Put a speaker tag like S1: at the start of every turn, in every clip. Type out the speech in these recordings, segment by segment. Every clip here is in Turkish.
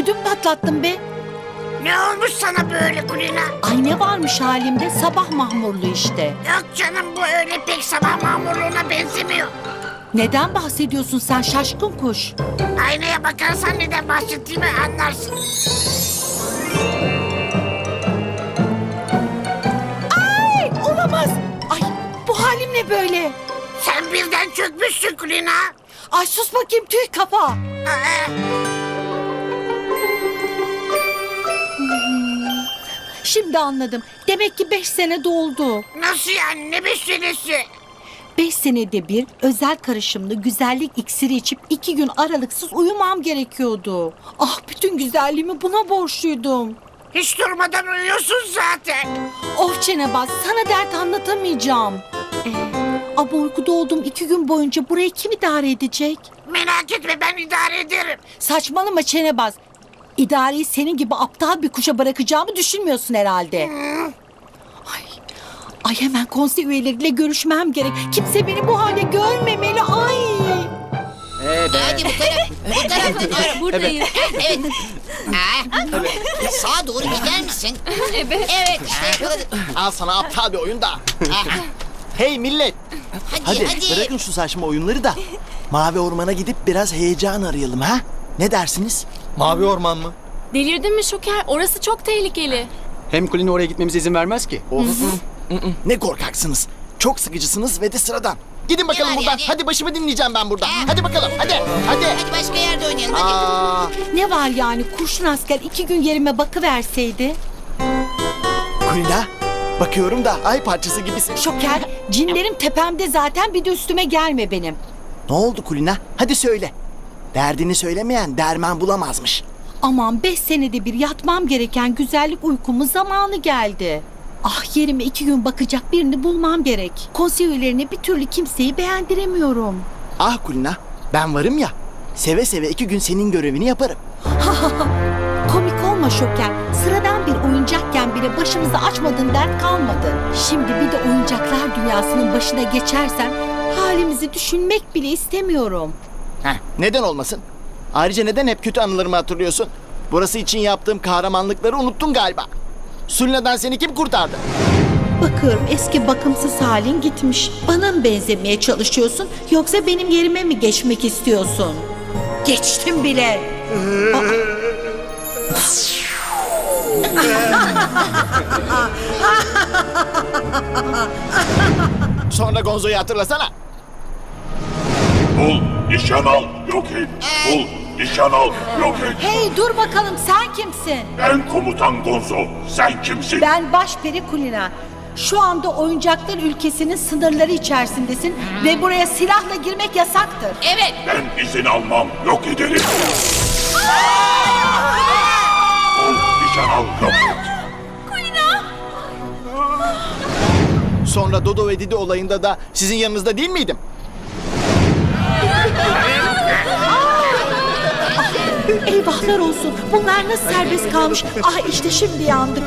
S1: ödüm patlattın be.
S2: Ne olmuş sana böyle Kulina?
S1: Ay ne varmış halimde, sabah mahmurlu işte.
S2: Yok canım, bu öyle pek sabah mamurluğuna benzemiyor.
S1: Neden bahsediyorsun sen şaşkın kuş?
S2: Aynaya bakarsan neden bahsettiğimi anlarsın.
S1: Ay olamaz. Ay bu halim ne böyle?
S2: Sen birden çökmüşsün Kulina.
S1: Ay sus bakayım tüy kafa.
S2: Aa,
S1: Şimdi anladım. Demek ki 5 sene doldu.
S2: nasıl yani, ne 5 senesi?
S1: 5 senede bir özel karışımlı güzellik iksiri içip 2 gün aralıksız uyumam gerekiyordu. Ah bütün güzelliğimi buna borçluydum.
S2: Hiç durmadan uyuyorsun zaten.
S1: Of çenebaz sana dert anlatamayacağım. Ama uykuda olduğum 2 gün boyunca burayı kim idare edecek?
S2: Merak etme, ben idare ederim.
S1: Saçmalama çenebaz. İdareyi senin gibi aptal bir kuşa bırakacağımı düşünmüyorsun herhalde. Ay hemen konsey üyeleriyle görüşmem gerek. Kimse beni bu hale görmemeli. Ay.
S3: Hadi bu taraf.
S4: Buradayız.
S3: Evet. Sağa doğru gider misin? Evet işte yakaladık.
S5: Al sana aptal bir oyun da. Hey millet.
S3: Hadi.
S5: Hadi bırakın şu saçma oyunları da. Mavi Orman'a gidip biraz heyecan arayalım ha? Ne dersiniz?
S6: Mavi Orman mı?
S4: Delirdin mi Şoker? Orası çok tehlikeli.
S6: Hem Kulina oraya gitmemize izin vermez ki.
S5: Of. Ne korkaksınız. Çok sıkıcısınız ve de sıradan. Gidin bakalım
S3: var
S5: buradan.
S3: yani?
S5: Hadi başımı dinleyeceğim ben burada. Hadi bakalım hadi. Hadi.
S3: Hadi başka yerde oynayalım hadi.
S5: Aa,
S1: Ne var yani kurşun asker 2 gün yerime bakıverseydi?
S5: Kulina. Bakıyorum da ay parçası gibisin.
S1: Şoker cinlerim tepemde zaten bir de üstüme gelme benim.
S5: Ne oldu Kulina? Hadi söyle. Derdini söylemeyen derman bulamazmış.
S1: Aman 5 senede bir yatmam gereken güzellik uykumun zamanı geldi. Ah yerime 2 gün bakacak birini bulmam gerek. Konsey üyelerine bir türlü kimseyi beğendiremiyorum.
S5: Ah Kulina, ben varım ya. Seve seve 2 gün senin görevini yaparım.
S1: Komik olma Şoker. Sıradan bir oyuncakken bile başımıza açmadığın dert kalmadı. Şimdi bir de oyuncaklar dünyasının başına geçersen halimizi düşünmek bile istemiyorum.
S5: Neden olmasın? Ayrıca neden hep kötü anılarımı hatırlıyorsun? Burası için yaptığım kahramanlıkları unuttun galiba. Sulina'dan seni kim kurtardı?
S1: Bakıyorum eski bakımsız halin gitmiş. Bana mı benzemeye çalışıyorsun yoksa benim yerime mi geçmek istiyorsun? Geçtim bile.
S5: Sonra Gonzo'yu hatırlasana.
S7: Bul, nişan al, yok et. Bul, nişan al, yok et.
S1: Hey dur bakalım sen kimsin?
S7: Ben komutan Gonzo, sen kimsin?
S1: Ben Başperi Kulina. Şu anda oyuncaklar ülkesinin sınırları içerisindesin ve buraya silahla girmek yasaktır.
S3: Evet.
S7: Ben izin almam, yok ederim. Bul, nişan al, yok et.
S5: Sonra Dodo ve Didi olayında da sizin yanınızda değil miydim?
S1: Eyvahlar olsun. Bunlar nasıl serbest kalmış? Ah işte şimdi yandık.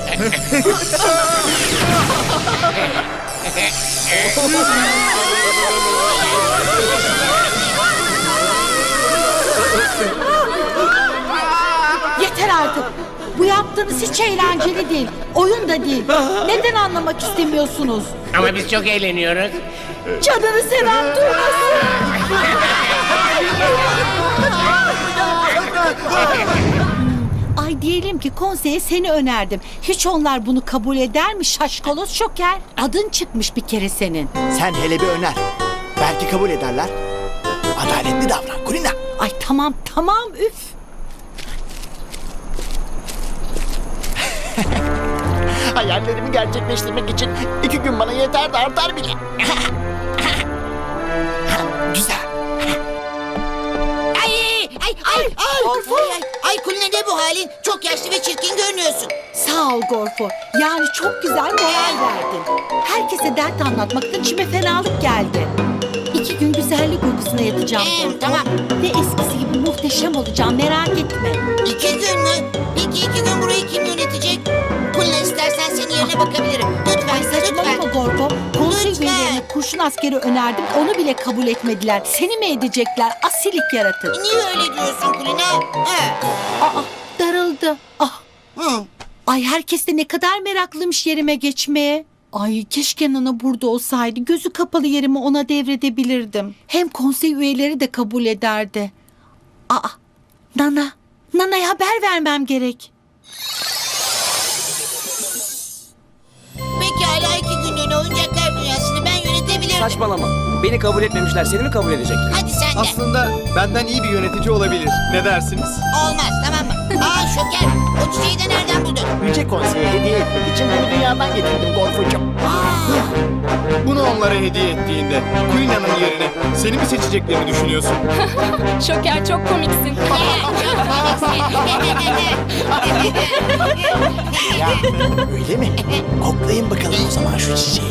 S1: Yeter artık. Bu yaptığınız hiç eğlenceli değil. Oyun da değil. Neden anlamak istemiyorsunuz?
S2: Ama biz çok eğleniyoruz.
S1: Canını seven duymasın. Ay diyelim ki konseye seni önerdim. Hiç onlar bunu kabul eder mi şaşkaloz Şoker? Adın çıkmış bir kere senin.
S5: Sen hele bir öner. Belki kabul ederler. Adaletli davran Kulina.
S1: Ay tamam üf.
S5: Hayallerimi gerçekleştirmek için 2 gün bana yeter de artar bile. Güzel.
S3: Ay Kulina ne bu halin? Çok yaşlı ve çirkin görünüyorsun.
S1: Sağ ol Gorfo. Yani çok güzel moral verdin. Herkese dert anlatmaktan içime fenalık geldi. 2 gün güzellik uykusuna yatacağım Gorfo.
S3: Tamam.
S1: Ve eskisi gibi muhteşem olacağım merak etme.
S3: 2 gün mü? Peki 2 gün burayı kim yönetecek? Kulina istersen senin yerine bakabilirim. Lütfen,
S1: Ay saçmalama
S3: lütfen.
S1: Gorfo. Konsey
S3: Lütfen.
S1: üyelerine Ay kurşun askeri önerdim, onu bile kabul etmediler. Seni mi edecekler asilik yaratır?
S3: Niye öyle diyorsun Kulina? Ha.
S1: Aa, darıldı. Ah.
S3: Hı.
S1: Ay herkes de ne kadar meraklıymış yerime geçmeye. Ay keşke Nana burada olsaydı. Gözü kapalı yerimi ona devredebilirdim. Hem konsey üyeleri de kabul ederdi. Aa, Nana'ya haber vermem gerek.
S3: Pekala 2 günlüğüne oyuncaklar dünyasını ben yönetebilirim.
S8: Saçmalama. Beni kabul etmemişler. Seni mi kabul edecekler?
S3: Hadi sen de.
S6: Aslında benden iyi bir yönetici olabilir. Ne dersiniz?
S3: Olmaz tamam mı? Aa Şoker o çiçeği de nereden buldun?
S5: Yüce Konsey'e hediye etmek için bunu dünyadan getirdim Gorfucuğum.
S6: Bunu onlara hediye ettiğinde Kulina'nın yerine seni mi seçeceklerini düşünüyorsun?
S4: Şoker çok komiksin.
S5: Ya öyle mi? Koklayın bakalım o zaman şu çiçeği.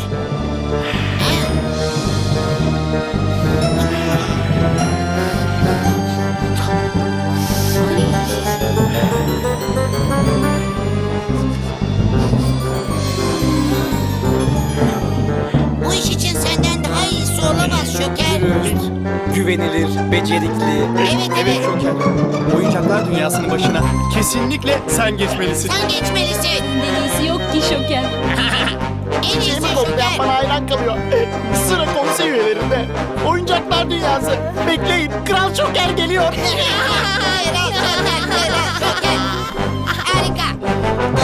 S3: Bu iş için senden daha iyisi olamaz Şoker.
S8: Dürüst, güvenilir, becerikli.
S3: Evet.
S6: Şoker. Oyuncaklar dünyasının başına kesinlikle sen geçmelisin.
S3: Sen geçmelisin.
S4: Deniz'i yok ki Şoker.
S3: En iyisi
S5: Çiçeğimi koklayan
S3: Şoker.
S5: bana hayran kalıyor. Sıra konsey üyelerinde. Oyuncaklar dünyası. Bekleyin. Kral Şoker geliyor.
S3: Şoker.